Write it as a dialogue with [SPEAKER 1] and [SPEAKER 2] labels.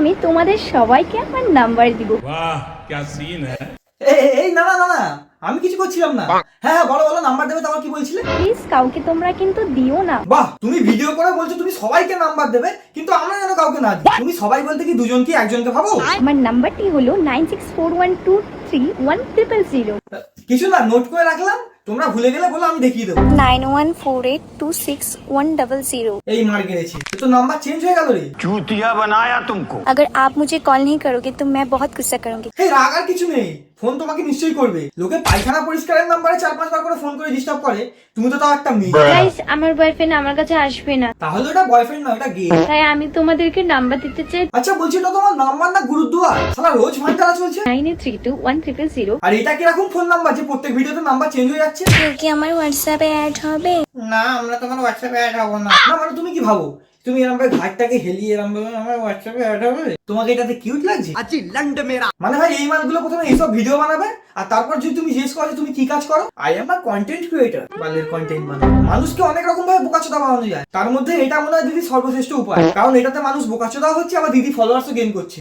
[SPEAKER 1] আমি তোমাদের সবাইকে আমার নাম্বার দিব।
[SPEAKER 2] वाह क्या सीन है।
[SPEAKER 3] এই না না না না, আমি কিছু করছিলাম না। হ্যাঁ হ্যাঁ, বলো বলো, নাম্বার দেবে তো, আমার কি বলছিলে?
[SPEAKER 1] প্লিজ কাউকে তোমরা কিন্তু দিও না।
[SPEAKER 3] বাহ, তুমি ভিডিও করে বলছো তুমি সবাইকে নাম্বার দেবে, কিন্তু আমরা যেন কাউকে না দিই। তুমি সবাই বলতে কি দুজন কি একজনকে ভাবো?
[SPEAKER 1] আমার নাম্বারটি হলো 9641231000।
[SPEAKER 3] কিছু না, নোট করে রাখলাম, তোমরা ভুলে গেলে বলো, আমি দেখিয়ে দেবো।
[SPEAKER 1] 9148261000।
[SPEAKER 3] এই মার গেছি, তো নাম্বার চেঞ্জ হয়ে গেল রে।
[SPEAKER 4] चूतिया बनाया तुमको।
[SPEAKER 1] अगर आप मुझे कॉल नहीं करोगे तो मैं बहुत गुस्सा करूंगी।
[SPEAKER 3] এই রাগ আর কিছু নেই, ফোন তোমাকে নিশ্চয়ই করবে। লোকে পায়খানা পরিষ্কারের নাম্বারে 4-5 বার করে ফোন করে ডিস্টার্ব করে, তুমি তো তাও একটা মেয়ে।
[SPEAKER 1] গাইস, আমার বয়ফ্রেন্ড আমার কাছে আসবে না,
[SPEAKER 3] তাহলে ওটা বয়ফ্রেন্ড না, ওটা গে।
[SPEAKER 1] তাই আমি তোমাদেরকে নাম্বার দিতে চাই।
[SPEAKER 3] আচ্ছা বলছি, ওটা তোমার নাম্বার না গুরুদুয়ার? শালা রোজ ভাইটারা চলছে।
[SPEAKER 1] 9832100000।
[SPEAKER 3] আর এটা কিরকম ফোন নাম্বার যে প্রত্যেক ভিডিওতে নাম্বার চেঞ্জ হয়ে যাচ্ছে?
[SPEAKER 1] কেউ কি আমার হোয়াটসঅ্যাপে অ্যাড হবে?
[SPEAKER 3] না, আমরা তোমার হোয়াটসঅ্যাপে অ্যাড হবো না। না মানে তুমি কি ভাবো, তুমি এরকম ভাবে ঘাটটাকে হেলিয়ে এরকম ভাবে আমার হোয়াটসঅ্যাপে অ্যাড হবে? তোমাকে এটাতে কিউট লাগছে? আচ্ছা লন্ড মেরা মানে ভাই, এই মালগুলো প্রথমে এইসব ভিডিও বানাবে, আর তারপর যদি তুমি জিজ্ঞেস করো যে তুমি কি কাজ করো, I am a content creator. বালের কন্টেন্ট বানাও। মানুষকে অনেক রকম ভাবে বোকাচোদা বানানো যায়, তার মধ্যে এটা মনে হয় দিদি সর্বশ্রেষ্ঠ উপায়, কারণ এটাতে মানুষ বোকাচোদা হচ্ছে, আবার দিদি ফলোয়ার্সও গেইন করছে।